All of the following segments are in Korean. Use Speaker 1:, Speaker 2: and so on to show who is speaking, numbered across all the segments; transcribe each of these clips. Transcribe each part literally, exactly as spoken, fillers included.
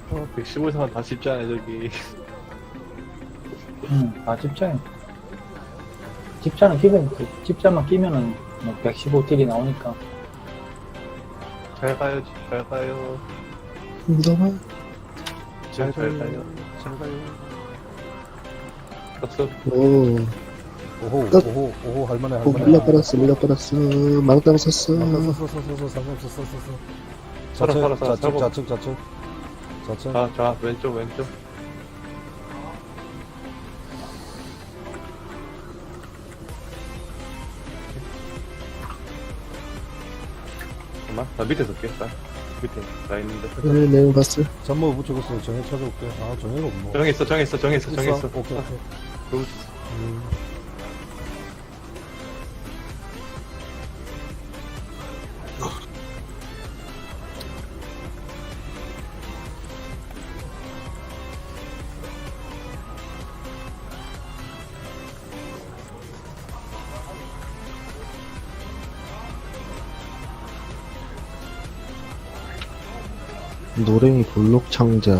Speaker 1: 어, 백십오 이상은 다 쉽잖아, 저기.
Speaker 2: 응, 아, 집자야. 집자는 끼면, 그 집자만 끼면은 뭐 백십오 딜이 나오니까.
Speaker 1: 잘 가요, 잘 가요.
Speaker 3: 무덤아.
Speaker 1: 잘, 잘 가요.
Speaker 4: 잘 가요.
Speaker 1: 박수.
Speaker 3: 오,
Speaker 4: 오호,
Speaker 3: 끝.
Speaker 4: 오호, 오호, 할만해,
Speaker 3: 오,
Speaker 4: 할만해.
Speaker 3: 물려버렸어, 물려버렸어. 망땅 섰어.
Speaker 4: 썼어, 썼어, 썼어, 상관없어, 썼어, 썼어.
Speaker 1: 살아, 살아, 살아,
Speaker 4: 좌측,
Speaker 1: 살고.
Speaker 4: 좌측, 좌측. 좌측.
Speaker 1: 자, 자, 왼쪽, 왼쪽. 잠깐만, 나 밑에 설게. 나 밑에 나 있는데.
Speaker 3: 네, 내용 봤어.
Speaker 4: 잠모 붙여줬어요. 정해 찾아올게. 아, 정해가 없노.
Speaker 1: 정했어, 정했어, 정했어, 정했어.
Speaker 4: 오케이, 오케이.
Speaker 1: 그,
Speaker 4: 음.
Speaker 3: 노랭이 볼록 창자.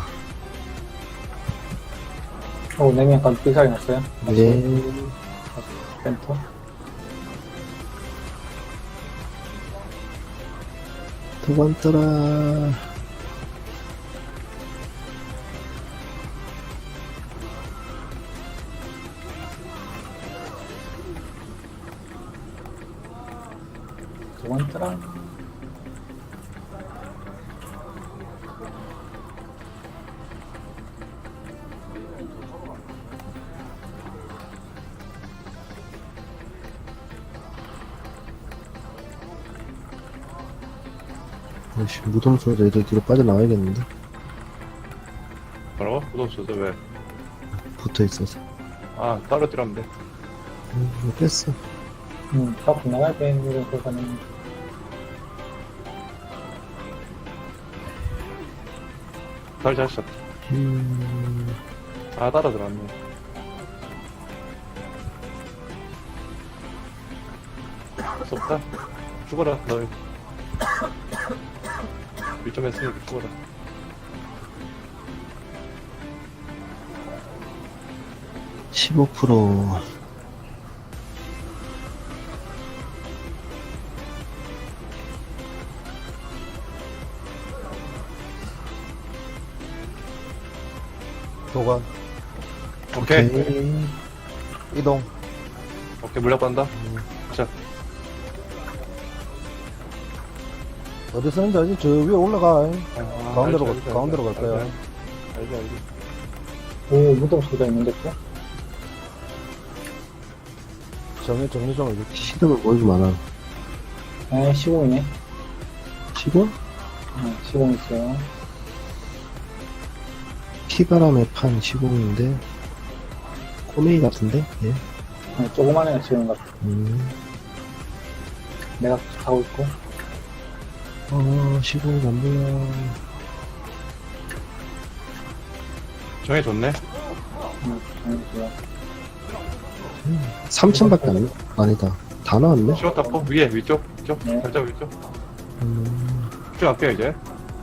Speaker 2: 오, 냉면까지 삐살이 났어요.
Speaker 3: 네.
Speaker 2: 센터.
Speaker 3: 도관 떠라.
Speaker 2: 두 번째랑.
Speaker 3: 아이씨, 무덤 소리 애들 뒤로 빠져나와야겠는데.
Speaker 1: 뭐라고? 무덤 쏘서 왜?
Speaker 3: 붙어 있어서.
Speaker 1: 아, 따로 뛰라면 돼.
Speaker 3: 음, 뺐어.
Speaker 2: 음, 밖에 나가야 되는 거는.
Speaker 1: 잘 잘했어.
Speaker 3: 음,
Speaker 1: 아, 따라 들어왔네. 할수 없다. 죽어라, 너. 일 점 했으니까 죽어라.
Speaker 3: 십오 퍼센트.
Speaker 4: 도관.
Speaker 1: 오케이.
Speaker 3: 오케이.
Speaker 4: 이동.
Speaker 1: 오케이, 물약 받는다. 자,
Speaker 4: 어디 쓰는지 알지? 저 위에 올라가.
Speaker 1: 아,
Speaker 4: 가운데로
Speaker 1: 알지,
Speaker 4: 가-
Speaker 1: 알지,
Speaker 4: 가운데로
Speaker 1: 알지,
Speaker 4: 갈 거야.
Speaker 1: 알지, 알지, 알지.
Speaker 2: 오, 무덤 소리가 있는데 또?
Speaker 4: 정해, 정리 좀 해줄게.
Speaker 3: 시름을 보여주면 않아.
Speaker 2: 에, 시공이네.
Speaker 3: 시름?
Speaker 2: 어, 시공 있어요.
Speaker 3: 피바람의 판 시공인데. 꼬메이 같은데? 예.
Speaker 2: 어, 조그만해, 지금 같아.
Speaker 3: 음.
Speaker 2: 내가 가고 있고.
Speaker 3: 어, 시공이 안 보여.
Speaker 1: 정해줬네.
Speaker 2: 음, 알겠어요.
Speaker 3: 삼천밖에 안, 아니다. 다 나왔네?
Speaker 1: 시원 닦고, 위에, 위쪽, 위쪽,
Speaker 2: 네.
Speaker 1: 살짝 위쪽.
Speaker 3: 음,
Speaker 1: 쭉 할게요, 이제.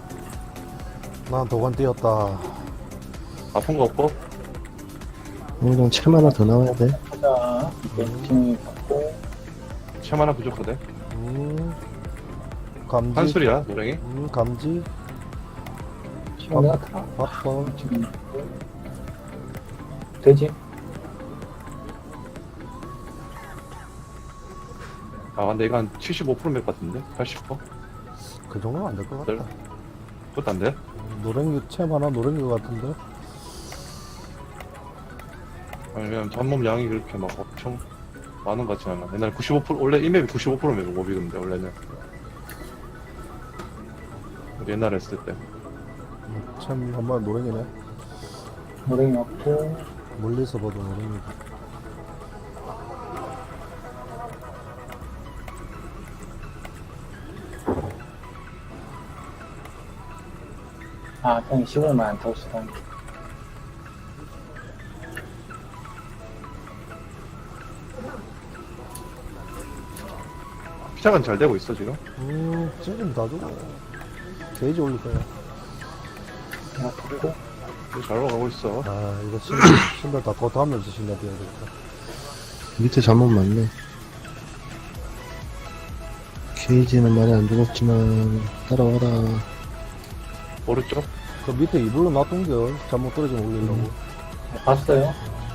Speaker 4: 난 도관 뛰었다.
Speaker 1: 아픈 거 없고.
Speaker 3: 오늘 챔 하나 더 나와야 돼.
Speaker 2: 가자. 이렇게 진행이 받고.
Speaker 1: 챔 하나 부족하대.
Speaker 4: 음. 감지.
Speaker 1: 한술이야, 노랭이.
Speaker 4: 음, 감지.
Speaker 2: 시공 내가 타.
Speaker 4: 바꿔.
Speaker 2: 지금 있고. 되지?
Speaker 1: 아, 근데 이거 한 칠십오 퍼센트 몇 같은데? 팔십 퍼센트?
Speaker 4: 그 정도는 안 될 것 같다.
Speaker 1: 그것도 안 돼?
Speaker 4: 노랭이 챔 하나 노랭이 것 같은데.
Speaker 1: 아니면 잡몸 양이 그렇게 막 엄청 많은 것 같진 않아. 옛날 구십오 퍼센트, 원래 이맵이 구십오 퍼센트면 몹이던데, 원래는. 우리 옛날에 했을 때.
Speaker 4: 음, 챔 한번 노랭이네.
Speaker 2: 노랭이 없고.
Speaker 4: 멀리서 봐도 노랭이.
Speaker 2: 아, 형이 시공만 안 타고 있어.
Speaker 1: 시작은 잘 되고 있어, 지금.
Speaker 4: 음, 찌좀 다 주고. 게이지 올릴 거야.
Speaker 2: 내가 탔고.
Speaker 1: 잘 올라가고 있어.
Speaker 4: 아, 이거 신발, 신발 다 더 하면서 신발 뛰어야 되겠다.
Speaker 3: 밑에 잘못 맞네. 케이지는 많이 안 죽었지만, 따라와라.
Speaker 1: 오른쪽?
Speaker 4: 그 밑에 이불로 놔둔겨. 잘못 떨어지면 올리려고.
Speaker 2: 네, 봤어요.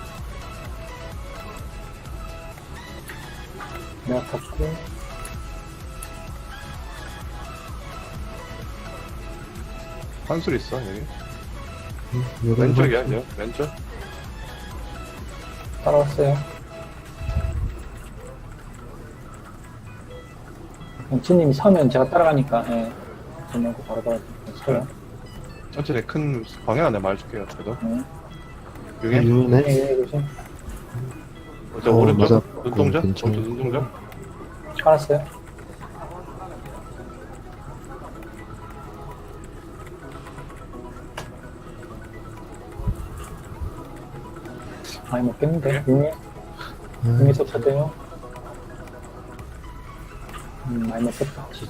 Speaker 2: 내가 탔고.
Speaker 1: 한술 있어, 여기.
Speaker 3: 여기
Speaker 1: 왼쪽이야, 이제. 왼쪽?
Speaker 2: 따라왔어요. 영치님이 서면 제가 따라가니까, 예. 저는 바로 바로 서요.
Speaker 1: 천천히 큰 방향 안에 말해줄게요, 그래도.
Speaker 2: 네.
Speaker 1: 여기?
Speaker 3: 유네?
Speaker 2: 예, 예, 조심.
Speaker 1: 저
Speaker 3: 어,
Speaker 1: 오른쪽?
Speaker 3: 맞아.
Speaker 1: 눈동자?
Speaker 3: 어, 괜찮아.
Speaker 1: 오른쪽 눈동자?
Speaker 2: 알았어요. 많이 먹겠는데, 육미? 육미 섭취돼요? 음, 많이 먹겠다, 진짜.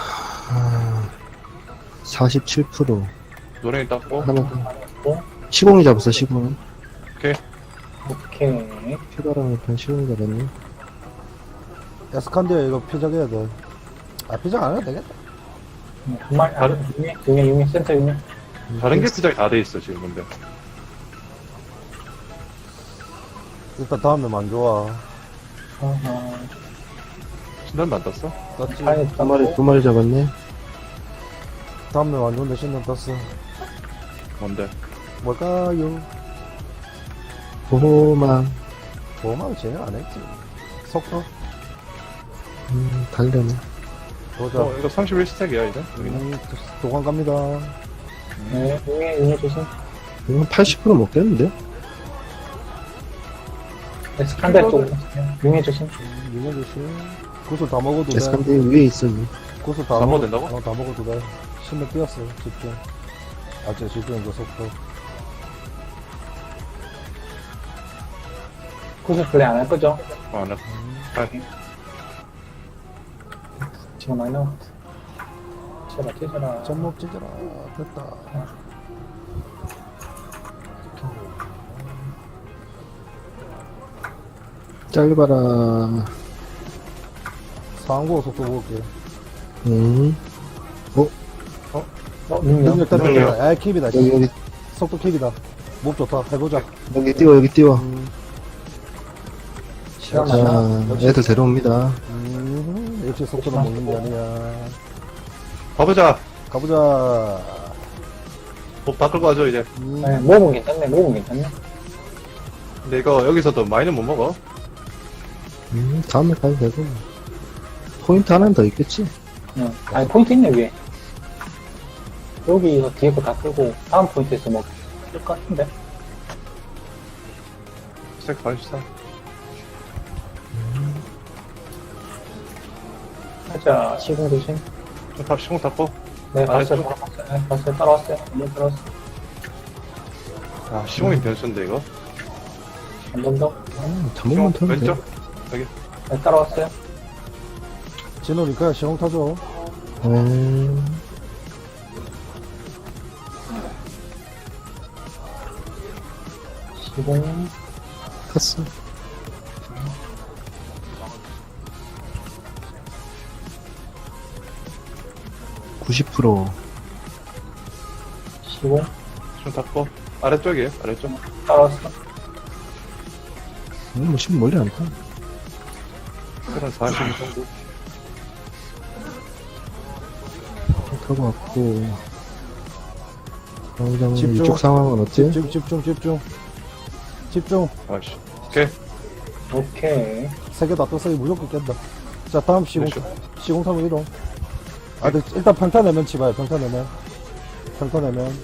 Speaker 3: 사십칠 퍼센트.
Speaker 1: 노랭이 닦고.
Speaker 3: 하나만 더.
Speaker 2: 많이 먹고,
Speaker 3: 시공이 잡았어, 시공.
Speaker 1: 오케이.
Speaker 2: 오케이.
Speaker 3: 피바람 편 시공이 잡았네.
Speaker 4: 에스칸디아 이거 피작해야 돼. 아, 피작 안 해도 되겠다.
Speaker 2: 음, 한 마리, 아,
Speaker 1: 다른-
Speaker 2: 육미, 육미, 육미, 센터 육미.
Speaker 1: 다른 게 시작이 다 돼 있어, 지금, 근데.
Speaker 4: 일단 다음에 안 좋아.
Speaker 2: 어허.
Speaker 1: 신단도 안 땄어?
Speaker 4: 땄지?
Speaker 2: 파이
Speaker 3: 두 마리, 두 마리 잡았네.
Speaker 4: 다음에 안 좋은데 신경 땄어.
Speaker 1: 뭔데?
Speaker 4: 뭘까요?
Speaker 3: 보호망.
Speaker 4: 보험하고 진행 안 했지. 속도?
Speaker 3: 음, 달려네.
Speaker 4: 보자.
Speaker 1: 어, 이거 삼십일 스택이야, 이제. 여기는.
Speaker 4: 음, 도관 갑니다.
Speaker 2: 네, 육미, 육미 조심.
Speaker 3: 이건 팔십 퍼센트 먹겠는데?
Speaker 2: 에스칸데 쪽, 육미 조심.
Speaker 4: 이거 조심. 구슬 다 먹어도 돼.
Speaker 3: 에스칸데 위에 있어.
Speaker 4: 구슬 다,
Speaker 1: 다
Speaker 4: 먹어-
Speaker 1: 먹어도 된다고?
Speaker 4: 어, 다 먹어도 돼. 신경 뛰었어. 집중. 아, 저 집중, 그 속도.
Speaker 2: 구슬 플레이 안 할 거죠?
Speaker 1: 어, 안 해. 아,
Speaker 2: 지금 많이 나왔다. 찢어라, 찢어라.
Speaker 4: 점목 찢어라. 됐다.
Speaker 3: 짧아라.
Speaker 4: 상고 속도 볼게.
Speaker 3: 음.
Speaker 2: 어, 육미요?
Speaker 4: 능력 때문에.
Speaker 1: 능력.
Speaker 4: 아, 킵이다.
Speaker 3: 여기, 여기,
Speaker 4: 속도 킵이다. 목 좋다. 해보자.
Speaker 3: 여기 띄워, 여기 띄워.
Speaker 4: 음,
Speaker 2: 시간
Speaker 3: 자,
Speaker 2: 많아.
Speaker 3: 애들 데려옵니다.
Speaker 4: 음, 역시 속도는 먹는 게 아니야.
Speaker 1: 가보자!
Speaker 4: 가보자.
Speaker 1: 법 다 끌고 가죠, 이제.
Speaker 4: 음,
Speaker 2: 네, 몸은 괜찮네, 몸은 괜찮네.
Speaker 1: 근데 이거 여기서도 많이는 못 먹어.
Speaker 3: 음, 다음에 가도 되고. 포인트 하나는 더 있겠지?
Speaker 2: 응. 아니, 포인트 있네, 위에. 여기서 뒤에 거 다 끌고, 다음 포인트에서 뭐, 끌 것 같은데?
Speaker 1: 스택 사십사.
Speaker 2: 하자, 시공 조심.
Speaker 1: 좀 탑, 시공 탔고.
Speaker 2: 네, 봤어요,
Speaker 1: 알았어.
Speaker 2: 봤어요, 네, 봤어요, 따라왔어요. 한번 따라왔어요.
Speaker 1: 아, 시공이 변수인데, 이거.
Speaker 2: 한 번 더.
Speaker 3: 음, 잠깐만
Speaker 1: 시공,
Speaker 3: 타면 돼.
Speaker 1: 왼쪽? 여기.
Speaker 2: 네, 따라왔어요.
Speaker 4: 진호니까 시공 타줘.
Speaker 3: 음,
Speaker 2: 시공.
Speaker 3: 탔어. 구십 퍼센트.
Speaker 2: 시공.
Speaker 1: 좀 탔고. 아래쪽이에요, 아래쪽.
Speaker 2: 따라왔어.
Speaker 3: 음, 뭐, 심 멀리 안 타.
Speaker 1: 한 사십 정도.
Speaker 3: 타고 왔고. 당장
Speaker 4: 집중.
Speaker 3: 이쪽 상황은 어때?
Speaker 4: 집중, 집중, 집중. 집중.
Speaker 1: 아이씨. 오케이.
Speaker 2: 오케이.
Speaker 4: 세 개 다 떴어. 이거 무조건 깬다. 자, 다음 시공,
Speaker 1: 그렇죠.
Speaker 4: 시공 타고 이동. 아, 근데 일단 평타 내면 치봐요. 평타 내면. 평타 내면.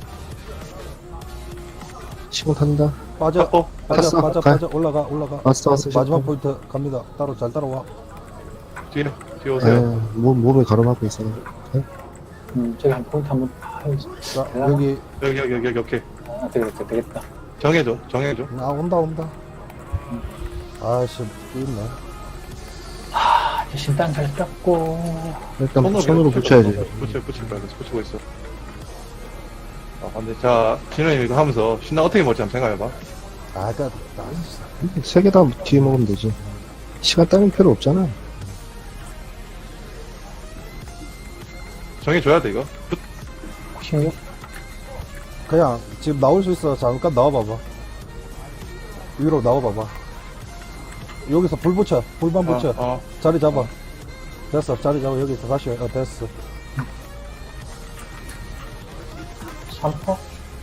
Speaker 3: 시공 탄다.
Speaker 4: 빠져.
Speaker 1: 탔고.
Speaker 4: 빠져,
Speaker 3: 탔어.
Speaker 4: 빠져,
Speaker 3: 가.
Speaker 4: 빠져. 올라가, 올라가.
Speaker 3: 왔어, 왔어.
Speaker 4: 마지막
Speaker 3: 시공.
Speaker 4: 포인트 갑니다. 따로, 잘 따라와.
Speaker 1: 뒤에, 뒤에
Speaker 3: 에,
Speaker 1: 오세요.
Speaker 3: 몸, 몸에 가로막고 있어.
Speaker 2: 음, 저기 한 포인트 한번, 아유,
Speaker 4: 자, 여기.
Speaker 1: 여기, 여기, 여기, 여기, 오케이.
Speaker 2: 아, 되겠다, 되겠다.
Speaker 1: 정해줘, 정해줘.
Speaker 4: 아, 온다, 온다. 아씨, 있네.
Speaker 2: 아, 이제 신단 잘 땄고.
Speaker 3: 일단 손으로 붙여야지.
Speaker 1: 붙여, 붙일 거야. 붙이고 있어. 아, 근데 자, 진호님 이거 하면서 신나 어떻게 먹을지 한번 생각해봐.
Speaker 4: 아, 그, 나,
Speaker 3: 세 개 다 뒤에 먹으면 되지. 시간 따윈 필요 없잖아.
Speaker 1: 정해줘야 돼, 이거.
Speaker 2: 십육?
Speaker 4: 그냥 지금 나올 수 있어. 잠깐 나와봐봐. 위로 나와봐봐. 여기서 불 붙여. 불만 붙여.
Speaker 1: 어, 어.
Speaker 4: 자리 잡아. 됐어. 자리 잡아. 여기서 다시. 어, 됐어.
Speaker 2: 삼 퍼?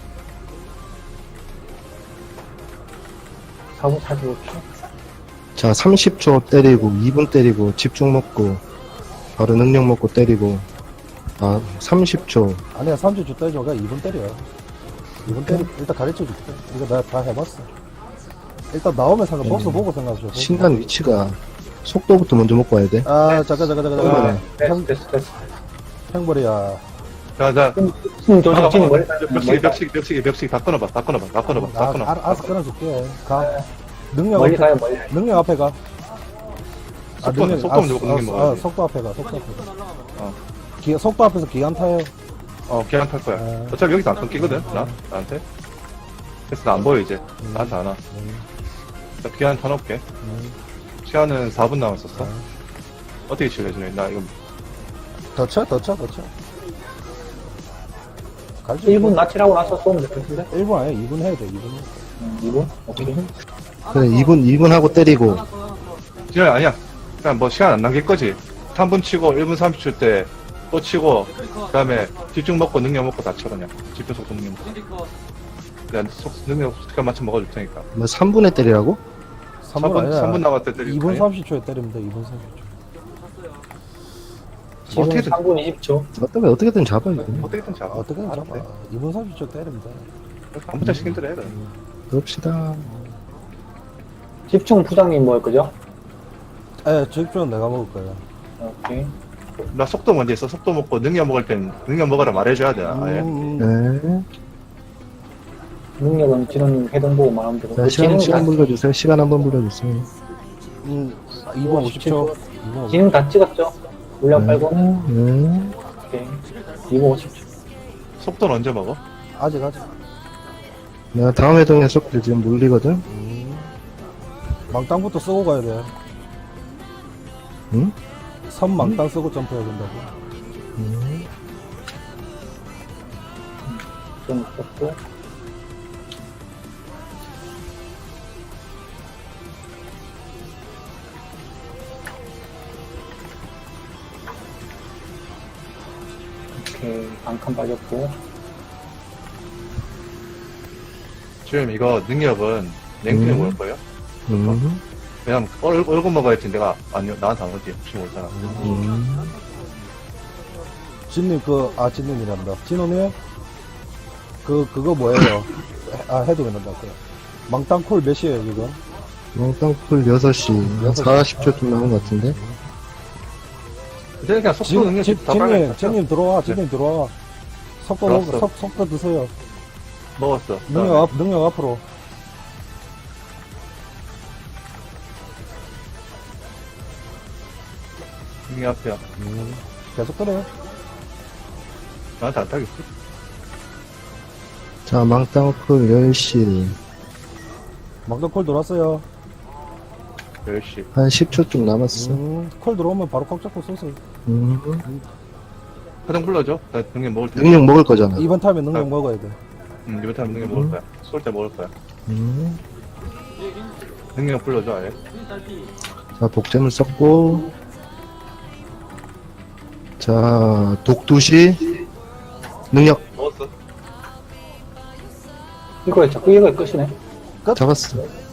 Speaker 2: 사 분 사십오 초?
Speaker 3: 자, 삼십 초 때리고, 이 분 때리고, 집중 먹고, 바로 능력 먹고 때리고, 아, 삼십 초.
Speaker 4: 아니야, 삼십 초 때려. 그냥 이 분 때려. 이 분 때리, 일단 가르쳐 줄게. 이거 내가 다 해봤어. 일단 나오면 상관,
Speaker 3: 음.
Speaker 4: 복수 보고 생각하죠.
Speaker 3: 신간 위치가, 속도부터 먼저 먹고 와야 돼.
Speaker 4: 아, 잠깐, 잠깐, 잠깐,
Speaker 3: 아,
Speaker 4: 잠깐.
Speaker 2: 됐어, 됐어, 됐어.
Speaker 4: 행벌이야.
Speaker 1: 자, 자.
Speaker 2: 좀, 좀 조심, 좀 멀리 가야 돼.
Speaker 1: 벽치기, 벽치기, 벽치기, 벽치기 다 끊어봐, 다 끊어봐, 다 끊어봐, 다
Speaker 4: 아,
Speaker 1: 끊어봐.
Speaker 4: 알, 알아서 끊어줄게. 가. 능력
Speaker 2: 멀리
Speaker 4: 앞에,
Speaker 2: 가요, 멀리.
Speaker 4: 능력 앞에 가.
Speaker 1: 속도,
Speaker 4: 능력-
Speaker 1: 속도 먼저 먹는 게
Speaker 4: 아,
Speaker 1: 먹어야지.
Speaker 4: 속도 앞에 가, 속도 앞에 가.
Speaker 1: 어.
Speaker 4: 기, 속도 앞에서 기관 타요.
Speaker 1: 어, 걔안 탈 거야.
Speaker 4: 어.
Speaker 1: 어차피 여기서 안 끊기거든, 나? 나한테. 그래서 나 안 보여, 이제.
Speaker 4: 음.
Speaker 1: 나한테 안 와.
Speaker 4: 음,
Speaker 1: 자, 기한 타놓을게.
Speaker 4: 음.
Speaker 1: 시간은 사 분 남았었어.
Speaker 4: 어.
Speaker 1: 어떻게 칠래, 준호? 나 이거.
Speaker 4: 더 쳐, 더 쳐, 더 쳐. 갈지.
Speaker 2: 일 분 낯이라고 나서 쏘면 될 것 같은데?
Speaker 4: 일 분 아니야, 이 분 해야 돼, 이 분.
Speaker 2: 음, 이 분? 오케이.
Speaker 3: 그래, 이 분, 이 분 하고 때리고,
Speaker 1: 진호야, 아니야. 그냥 뭐 시간 안 남길 거지. 삼 분 치고 일 분 삼십 초 때 또 치고, 그 다음에 집중 먹고 능력 먹고 다 쳐, 그냥. 집중 속도 능력 먹고. 내가 속, 능력 시간 맞춰 먹어줄 테니까.
Speaker 3: 뭐 삼 분에 때리라고?
Speaker 4: 삼
Speaker 1: 삼
Speaker 4: 분
Speaker 1: 분,
Speaker 4: 아니야.
Speaker 1: 삼 분 남았을 때 때릴
Speaker 4: 이 분
Speaker 1: 거야.
Speaker 4: 삼십 초에 때리면 돼, 이 분 삼십 초.
Speaker 2: 지금
Speaker 1: 어떻게든-
Speaker 2: 삼 분 이십 초.
Speaker 3: 어떻게, 어떻게든 잡아, 이거.
Speaker 1: 어떻게든 잡아.
Speaker 4: 어떻게든 잡아.
Speaker 1: 돼.
Speaker 4: 이 분 삼십 초 때리면 돼.
Speaker 1: 아무튼 시킨 대로 해, 그래.
Speaker 3: 그럽시다.
Speaker 2: 집중 부장님 뭐일 거죠?
Speaker 4: 에, 집중은 내가 먹을 거야.
Speaker 2: 오케이.
Speaker 1: 나 속도 먼저 있어. 속도 먹고 능력 먹을 땐 능력 먹으라 말해줘야 돼. 아예.
Speaker 4: 음,
Speaker 3: 네.
Speaker 2: 능력은 진호님 해동 보고 말하면 되고.
Speaker 3: 자, 시간,
Speaker 2: 지능
Speaker 3: 시간
Speaker 2: 다,
Speaker 3: 불러주세요. 시간 한번 불러주세요.
Speaker 4: 음, 이 분 오십 초. 이 분 오십 초.
Speaker 2: 지능 다 찍었죠? 물량
Speaker 3: 네.
Speaker 2: 빨고.
Speaker 3: 네.
Speaker 2: 오케이. 이 분 오십 초.
Speaker 1: 속도는 언제 먹어?
Speaker 4: 아직, 아직.
Speaker 3: 내가 다음 회동에 속도 지금 몰리거든?
Speaker 4: 음. 망땅부터 쓰고 가야 돼.
Speaker 3: 응?
Speaker 4: 선 망땅 쓰고 점프해야 된다고.
Speaker 3: 음.
Speaker 2: 좀 썼고. 오케이. 반칸 빠졌고.
Speaker 1: 지금 이거 능력은 냉편에
Speaker 3: 음.
Speaker 1: 먹을 거예요?
Speaker 3: 음.
Speaker 1: 그냥 얼, 얼굴 먹어야지 내가 아니요 나한테 안 오지 혹시 모르잖아.
Speaker 3: 음.
Speaker 4: 진님, 그, 아, 진님이란다. 진호님? 그, 그거 뭐예요? 아, 해도 된다. 그. 망땅 콜 몇 시에요, 지금?
Speaker 3: 땅풀 여섯 시. 한 사십 초쯤 남은 것 같은데?
Speaker 1: 근데 그냥 속도
Speaker 4: 지금,
Speaker 1: 능력
Speaker 4: 지,
Speaker 1: 다
Speaker 4: 진님,
Speaker 1: 빨리
Speaker 4: 진님 들어와, 진님 들어와. 속도, 먹,
Speaker 1: 들어왔어.
Speaker 4: 속, 속도 드세요.
Speaker 1: 먹었어.
Speaker 4: 능력 앞, 능력 앞으로.
Speaker 1: 능력 앞이야.
Speaker 4: 음, 계속 그래요.
Speaker 1: 나한테 안 타겠어.
Speaker 3: 자, 망땅풀 열 시.
Speaker 4: 망땅 콜 들어왔어요.
Speaker 1: 열 시.
Speaker 3: 한 십 초쯤 남았어.
Speaker 4: 음, 콜 들어오면 바로 콕 잡고 쏘세요.
Speaker 3: 음.
Speaker 1: 화장 불러줘. 나 능력 먹을 때.
Speaker 3: 능력 먹을 거잖아.
Speaker 4: 이번 타임에 능력
Speaker 1: 아.
Speaker 4: 먹어야 돼.
Speaker 1: 응, 이번 타임 능력 먹을 거야. 쏠 때 먹을 거야.
Speaker 3: 음.
Speaker 1: 능력 불러줘 아예.
Speaker 3: 자, 복제물 썼고. 자, 독두시. 능력
Speaker 1: 먹었어.
Speaker 2: 이거에 자꾸 이거에 끝이네.
Speaker 3: 잡았어.